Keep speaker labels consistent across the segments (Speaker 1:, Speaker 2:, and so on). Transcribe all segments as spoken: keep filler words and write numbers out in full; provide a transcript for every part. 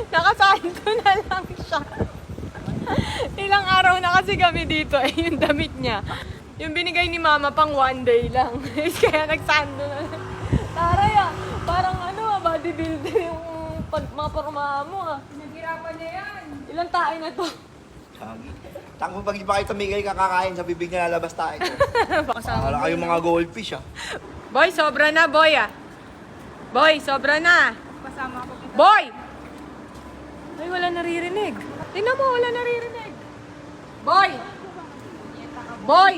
Speaker 1: Nakasando na lang siya. Ilang araw na kasi kami dito eh, yung damit niya. Yung binigay ni mama pang one day lang. Kaya nagsando na. Taray ah, parang ano ah, bodybuilder yung pag, mga pormahan mo ah.
Speaker 2: Naghirapan niya yan.
Speaker 1: Ilang tayo na to?
Speaker 3: Tango pag di pa kayo tumigil kakakain sa bibig na lalabas tayo. Wala kayong mga goldfish ah.
Speaker 1: Boy, sobra na boy ah. Boy, sobra na.
Speaker 2: Kasama ako kita.
Speaker 1: Boy! Ay, wala naririnig. Tingnan mo, wala naririnig. Boy! Boy!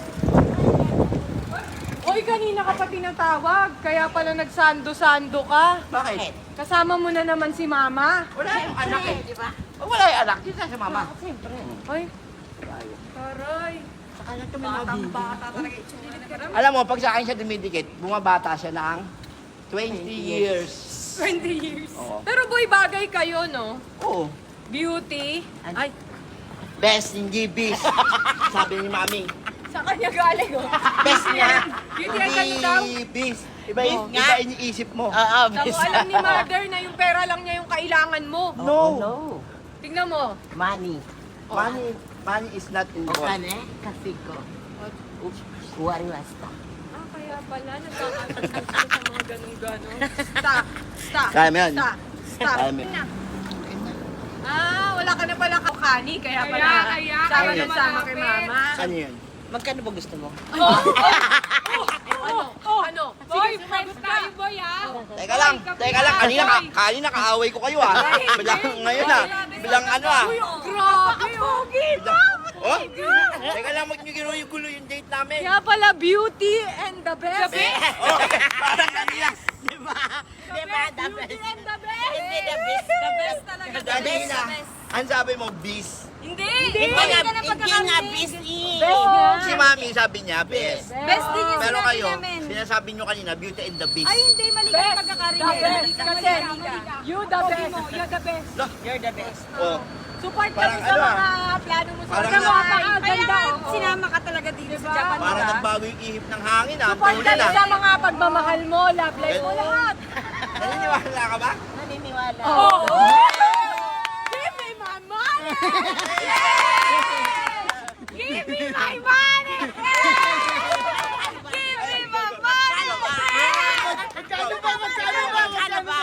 Speaker 1: Oy, kanina ka pa tinatawag. Kaya pala nagsando-sando ka.
Speaker 3: Bakit?
Speaker 1: Kasama mo na naman si mama.
Speaker 3: Wala yung anak eh, di ba? Wala yung anak, dito sa mama.
Speaker 1: Ay, taray.
Speaker 3: Sa kanya kami bata talaga. Alam mo, pag sa akin siya dumidikit, bumabata siya ng twenty years.
Speaker 1: twenty years.
Speaker 3: Oo.
Speaker 1: Pero boy, bagay kayo, no?
Speaker 3: Oo.
Speaker 1: Beauty. Ay,
Speaker 3: Best in G Bs. Sabi ni Mami.
Speaker 1: sa kanya galing, oh.
Speaker 3: Best niya.
Speaker 1: Beauty ang ganda daw.
Speaker 3: Bis. Iba yung iba iniisip mo.
Speaker 4: Oo,
Speaker 1: Tapos alam ni mother na yung pera lang niya yung kailangan mo.
Speaker 3: No.
Speaker 4: no.
Speaker 1: Tingnan mo.
Speaker 4: Money.
Speaker 3: Money, money is not
Speaker 4: O
Speaker 3: involved.
Speaker 4: kane, kasi ko. Kuwari wasta.
Speaker 1: Ah, kaya pala, nagkakaroon sa mga ganun-ganon. Stop, stop,
Speaker 3: Kaya mo yan.
Speaker 1: stop, stop.
Speaker 3: Kaya mo yan.
Speaker 1: Ah, wala ka na pala kakani, kaya pala.
Speaker 2: Kaya, kaya,
Speaker 1: sama
Speaker 3: kaya
Speaker 1: na sama kay
Speaker 2: malapit.
Speaker 1: mama.
Speaker 3: Ano yan?
Speaker 4: Magkano ba gusto mo?
Speaker 1: Ano? Ano?
Speaker 2: Boy,
Speaker 1: Sige,
Speaker 2: friends
Speaker 1: sumagot
Speaker 2: tayo, boy, ah.
Speaker 3: Teka lang, teka lang. Kanina, ka, kanina kaaway ko kayo ah. Bilang ngayon ah. Bilang ano ah.
Speaker 1: Uy, oh, grabe, Ogi.
Speaker 3: Oh? Teka lang, magnyugiro yung gulo yung date namin.
Speaker 1: Kaya pala, beauty and the best.
Speaker 3: Oh, parang kanina.
Speaker 4: Di ba? Di ba? The
Speaker 1: Beauty
Speaker 4: best.
Speaker 1: and the best.
Speaker 4: Hindi the best. The best talaga. The
Speaker 3: Kanina.
Speaker 4: best.
Speaker 3: Ang sabi mo, bis.
Speaker 1: Hindi.
Speaker 4: Hindi nga, hindi nga best eh.
Speaker 1: Best nga.
Speaker 3: Si Mami sabi niya, best.
Speaker 2: Best din yung
Speaker 3: Pero
Speaker 2: sinabi
Speaker 3: kayo,
Speaker 2: namin.
Speaker 3: sinasabi nyo kanina, beauty and the beast.
Speaker 2: Ay, hindi, mali ka
Speaker 1: Best.
Speaker 2: yung pagkakarinig.
Speaker 1: The best.
Speaker 2: Mali ka,
Speaker 1: Kasi,
Speaker 2: mali ka, mali ka.
Speaker 1: you the
Speaker 2: Pogi
Speaker 1: best.
Speaker 2: mo, you're the best.
Speaker 4: You're the best.
Speaker 3: Oh.
Speaker 1: Support kami
Speaker 3: Parang
Speaker 1: sa
Speaker 3: ano,
Speaker 1: mga plano mo sa
Speaker 3: parang
Speaker 1: mga
Speaker 3: na-
Speaker 1: mga
Speaker 2: Kaya
Speaker 1: ganda.
Speaker 2: nga,
Speaker 1: oo.
Speaker 2: sinama ka talaga dito sa Japan.
Speaker 3: Parang
Speaker 2: diba?
Speaker 3: nagbago yung ihip ng hangin ah.
Speaker 1: Support
Speaker 3: Tuloy
Speaker 1: kami
Speaker 3: na.
Speaker 1: sa mga pagmamahal mo, love life mo, lahat.
Speaker 3: Naniniwala ka ba?
Speaker 4: Naniniwala.
Speaker 1: Oo. Give me my money! Give me my money! Give me my money!
Speaker 3: Magkano ba? Magkano ba?
Speaker 4: Ano ba?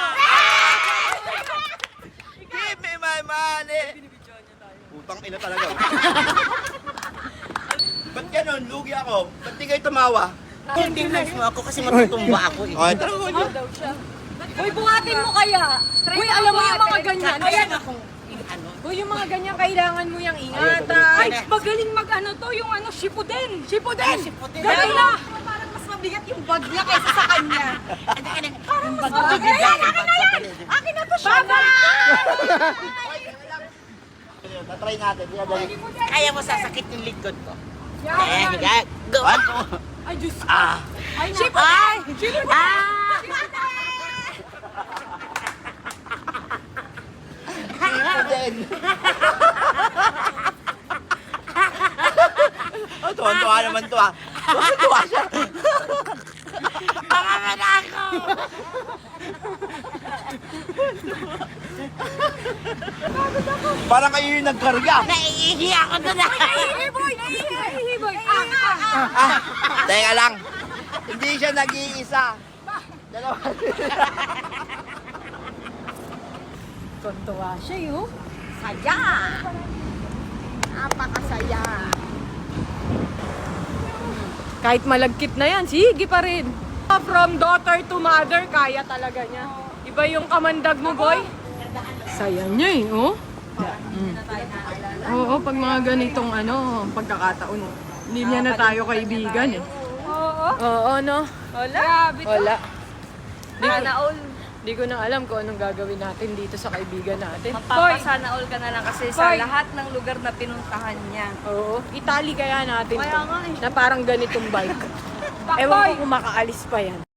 Speaker 3: Give me my money! Putang ina talaga. Ba't ganun? Lugi ako. Ba't di kayo tumawa?
Speaker 4: Hindi nice mo ako kasi matutumba ako eh.
Speaker 3: Okay, tara ko nyo.
Speaker 1: Uy, buhatin mo kaya. Uy, alam mo yung mga ganyan.
Speaker 4: Ayan akong ano.
Speaker 1: Uy, yung mga ganyan, kailangan mo yung
Speaker 2: Ay,
Speaker 1: ingatan.
Speaker 2: magaling mag ano to, yung ano, Shippuden. Shippuden!
Speaker 4: Shippuden.
Speaker 2: Galing na! Parang mas mabigat yung bag niya kaysa sa kanya.
Speaker 4: Parang mas
Speaker 2: mabigat. Akin na to, Shaba!
Speaker 3: Tatry natin. Pinadali.
Speaker 4: Kaya mo sasakit yung likod ko. Eh,
Speaker 1: Yan.
Speaker 4: higa. Go.
Speaker 3: One, two.
Speaker 1: Ay, Diyos ko.
Speaker 3: Ah!
Speaker 1: Ay,
Speaker 4: Ay! Ah!
Speaker 3: Ito din. Oh, tuwan-tuwa naman to ah. Tuwan-tuwa siya.
Speaker 4: Pangaman ako!
Speaker 3: Parang kayo yung nagkarga.
Speaker 4: Naiihi ako doon ah.
Speaker 1: Hey, boy! Hey, boy! Ah, ah, ah.
Speaker 3: Ah, teka lang. Hindi siya nag-iisa. Dalawa.
Speaker 1: Tuntua siya, yun.
Speaker 2: Saya! Napakasaya.
Speaker 1: Kahit malagkit na yan, sige pa rin. From daughter to mother, kaya talaga niya. Iba yung kamandag mo, boy. Saya niya eh, oh. Mm. Oo, pag mga ganitong ano, pagkakataon, hindi niya na tayo kaibigan eh.
Speaker 2: Oo.
Speaker 1: Oo, no?
Speaker 2: Wala. Grabe to.
Speaker 1: Wala. Di ko,
Speaker 2: Sana all.
Speaker 1: di ko na alam kung anong gagawin natin dito sa kaibigan natin.
Speaker 2: Magpapasana all ka na lang kasi sa
Speaker 1: Boy.
Speaker 2: lahat ng lugar na pinuntahan niya.
Speaker 1: Oo, Italy kaya natin
Speaker 2: Kaya
Speaker 1: to,
Speaker 2: nga eh.
Speaker 1: na parang ganitong bike. Ewan ko kung makaalis pa yan.